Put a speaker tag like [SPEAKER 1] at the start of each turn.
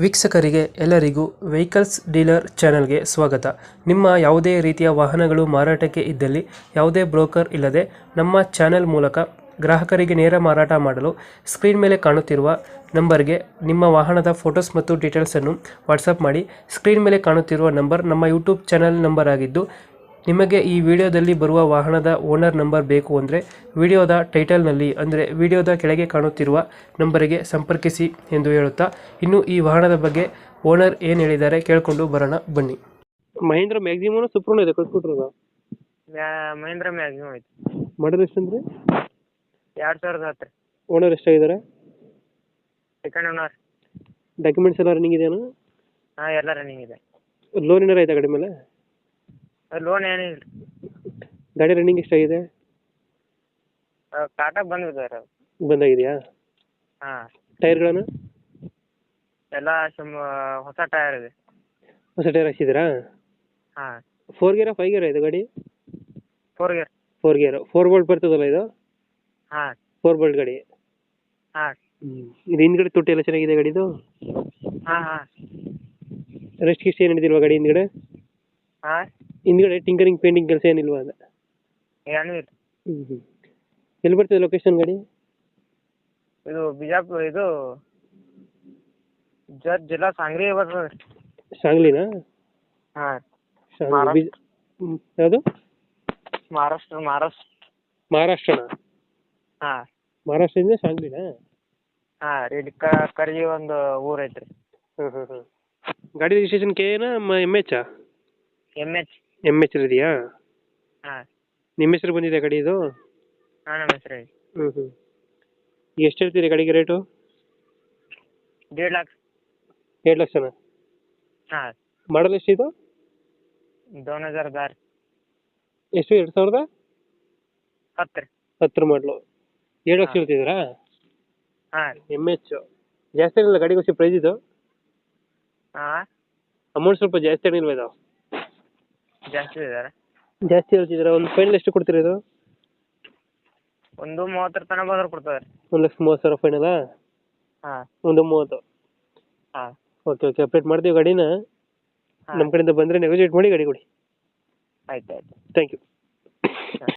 [SPEAKER 1] ವೀಕ್ಷಕರಿಗೆ ಎಲ್ಲರಿಗೂ vehicles dealer ಚಾನೆಲ್ಗೆ ಸ್ವಾಗತ. ನಿಮ್ಮ ಯಾವುದೇ ರೀತಿಯ ವಾಹನಗಳು ಮಾರಾಟಕ್ಕೆ ಇದ್ದಲ್ಲಿ ಯಾವುದೇ ಬ್ರೋಕರ್ ಇಲ್ಲದೆ ನಮ್ಮ ಚಾನೆಲ್ ಮೂಲಕ ಗ್ರಾಹಕರಿಗೆ ನೇರ ಮಾರಾಟ ಮಾಡಲು ಸ್ಕ್ರೀನ್ ಮೇಲೆ ಕಾಣುತ್ತಿರುವ ನಂಬರ್ಗೆ ನಿಮ್ಮ ವಾಹನದ ಫೋಟೋಸ್ ಮತ್ತು ಡೀಟೇಲ್ಸನ್ನು ವಾಟ್ಸಪ್ ಮಾಡಿ. ಸ್ಕ್ರೀನ್ ಮೇಲೆ ಕಾಣುತ್ತಿರುವ ನಂಬರ್ ನಮ್ಮ ಯೂಟ್ಯೂಬ್ ಚಾನೆಲ್ ನಂಬರ್ ಆಗಿದ್ದು, ನಿಮಗೆ ಈ ವಿಡಿಯೋದಲ್ಲಿ ಬರುವ ವಾಹನದ ಓನರ್ ನಂಬರ್ ಬೇಕು ಅಂದರೆ ವಿಡಿಯೋದ ಟೈಟಲ್ನಲ್ಲಿ ಅಂದರೆ ವಿಡಿಯೋದ ಕೆಳಗೆ ಕಾಣುತ್ತಿರುವ ನಂಬರಿಗೆ ಸಂಪರ್ಕಿಸಿ ಎಂದು ಹೇಳುತ್ತಾ, ಇನ್ನು ಈ ವಾಹನದ ಬಗ್ಗೆ ಓನರ್ ಏನು ಹೇಳಿದ್ದಾರೆ ಕೇಳಿಕೊಂಡು ಬರೋಣ ಬನ್ನಿ. ಮಹೇಂದ್ರ ಮ್ಯಾಕ್ಸಿಮಮ್ ಸುಪ್ರೂನ್ ಇದೆ ಕಳ್ಸ್ಕೊಟ್ರದ
[SPEAKER 2] ಮಹೇಂದ್ರ ಮ್ಯಾಕ್ಸಿಮಮ್ ಐತಿ.
[SPEAKER 1] ಮಾಡಲ್ ಎಷ್ಟಂದ್ರೆ
[SPEAKER 2] 2010.
[SPEAKER 1] ಓನರ್ ಎಷ್ಟಾಗಿದ್ದಾರೆ?
[SPEAKER 2] Second owner.
[SPEAKER 1] ಡಾಕ್ಯುಮೆಂಟ್ಸ್ ಎಲ್ಲ ರನ್ನಿಂಗ್ ಇದೆಯಾ?
[SPEAKER 2] ಹಾಂ, ಎಲ್ಲ ರನ್ನಿಂಗ್ ಇದೆ.
[SPEAKER 1] ಲೋನ್ ಏನಾರ ಆಯ್ತಾ ಗಾಡಿ ಮೇಲೆ?
[SPEAKER 2] ಲೋನ್ ಏನಿಲ್ಲ.
[SPEAKER 1] ಗಾಡಿ ರನ್ನಿಂಗ್ ಎಷ್ಟಾಗಿದೆ?
[SPEAKER 2] ಕಾಟಾಗ ಬಂದಿದ್ದಾರೆ.
[SPEAKER 1] ಬಂದಾಗಿದೆಯಾ?
[SPEAKER 2] ಹಾಂ.
[SPEAKER 1] ಟೈರ್ಗಳನ್ನು
[SPEAKER 2] ಎಲ್ಲ ಹೊಸ ಟೈರ್ ಇದೆ.
[SPEAKER 1] ಹೊಸ ಟೈರ್ ಹಾಕ್ಸಿದ್ದೀರಾ?
[SPEAKER 2] ಹಾಂ.
[SPEAKER 1] 4 ಗೇರಾ 5 ಗೇರಾ ಇದು ಗಾಡಿ?
[SPEAKER 2] 4 ಗೇರ್.
[SPEAKER 1] 4 ಗೇರ್ 4 ಬೋಲ್ಟ್ ಬರ್ತದಲ್ಲ ಇದು?
[SPEAKER 2] ಹಾಂ.
[SPEAKER 1] 4 ಬೋಲ್ಟ್ ಗಾಡಿ.
[SPEAKER 2] ಹಾಂ.
[SPEAKER 1] ಇದು ಹಿಂದ್ಗಡೆ ತೊಟ್ಟಿ ಎಲ್ಲ ಚೆನ್ನಾಗಿದೆ ಗಾಡಿದು?
[SPEAKER 2] ಹಾಂ ಹಾಂ.
[SPEAKER 1] ರೆಸ್ಟ್ ಗಿಸ್ಟ್ ಏನು ಹಿಡಿದಿಲ್ವಾ ಗಾಡಿ ಹಿಂದ್ಗಡೆ?
[SPEAKER 2] ಹಾಂ.
[SPEAKER 1] ಹಿಂದ್ಗಡೆ ಟಿಂಕರಿಂಗ್ ಪೇಂಟಿಂಗ್ ಕೆಲಸ ಏನಿಲ್ವಾ ಅದು?
[SPEAKER 2] ಏನೂ ಇಲ್ಲ.
[SPEAKER 1] ಎಲ್ಲಿ ಬರ್ತದೆ ಲೊಕೇಶನ್ ಗಾಡಿ?
[SPEAKER 2] ಇದು ಬಿಜಾಪುರ, ಇದು ಜಿಲ್ಲಾ ಸಾಂಗ್ಲಿ ಬರ್ತದೆ.
[SPEAKER 1] ಸಾಂಗ್ಲಿನಾ?
[SPEAKER 2] ಹಾಂ.
[SPEAKER 1] ಯಾವುದು?
[SPEAKER 2] ಮಹಾರಾಷ್ಟ್ರನಾ? ಹಾಂ.
[SPEAKER 1] ಮಹಾರಾಷ್ಟ್ರದಿಂದ ಸಾಂಗ್ಲಿನಾ?
[SPEAKER 2] ಹಾಂ. ಇಲ್ಲಿ ಕರ್ಜಿ ಒಂದು ಊರು ಐತ್ರಿ.
[SPEAKER 1] ಹಾಂ. ಗಾಡಿ ರಿಜಿಸ್ಟ್ರೇಷನ್ ಕೆ ಏನಾ ಎಮ್ ಎಚ್? ಎಮ್ ಎಚ್ ಇದೆಯಾ?
[SPEAKER 2] ಹಾಂ.
[SPEAKER 1] ನಿಮ್ಮ ಹೆಸರು ಬಂದಿದೆ ಗಾಡಿ ಇದು?
[SPEAKER 2] ಹಾಂ, ನಮ್ಮ ಹೆಸರು ಐತಿ.
[SPEAKER 1] ಎಷ್ಟು ಹೇಳ್ತೀರಿ ಗಾಡಿಗೆ ರೇಟು?
[SPEAKER 2] 1.5 ಲಕ್ಷ.
[SPEAKER 1] 2 ಲಕ್ಷನಾ?
[SPEAKER 2] ಹಾಂ.
[SPEAKER 1] ಮಾಡಲ್ ಎಷ್ಟಿದು?
[SPEAKER 2] 2010.
[SPEAKER 1] ಎಷ್ಟು? 2010
[SPEAKER 2] 10
[SPEAKER 1] ಮಾಡಲು 7 ಲಕ್ಷ ಹೇಳ್ತಿದ್ದೀರಾ?
[SPEAKER 2] ಹಾಂ.
[SPEAKER 1] ಎಮ್ ಎಚ್ ಜಾಸ್ತಿ ಏನಿಲ್ಲ ಗಾಡಿಗೆ ಪ್ರೈಸ್ ಇದು?
[SPEAKER 2] ಹಾಂ.
[SPEAKER 1] ಅಮೌಂಟ್ ಸ್ವಲ್ಪ ಜಾಸ್ತಿ ಏನಿಲ್ವ ಇದು?
[SPEAKER 2] ಜಾಸ್ತಿ ಇದ್ದಾರೆ.
[SPEAKER 1] ಜಾಸ್ತಿ ಹೇಳ್ತಿದ್ದೀರಾ? ಒಂದು ಫೈನಲ್ ಎಷ್ಟು ಕೊಡ್ತೀರಾ ಇದು?
[SPEAKER 2] 1.30 ತನಕ ಬಂದ್ರೆ ಕೊಡ್ತಾರೆ.
[SPEAKER 1] 1,30,000 ಫೈನಲಾ?
[SPEAKER 2] ಹಾಂ.
[SPEAKER 1] 1.30.
[SPEAKER 2] ಹಾಂ.
[SPEAKER 1] ಓಕೆ ಅಪ್ಡೇಟ್ ಮಾಡ್ತೀವಿ ಗಾಡಿನ. ನಮ್ಮ ಕಡೆಯಿಂದ ಬಂದರೆ ನೆಗೋಜಿಯೇಟ್ ಮಾಡಿ ಗಾಡಿ ಕೊಡಿ.
[SPEAKER 2] ಆಯ್ತು.
[SPEAKER 1] Thank you.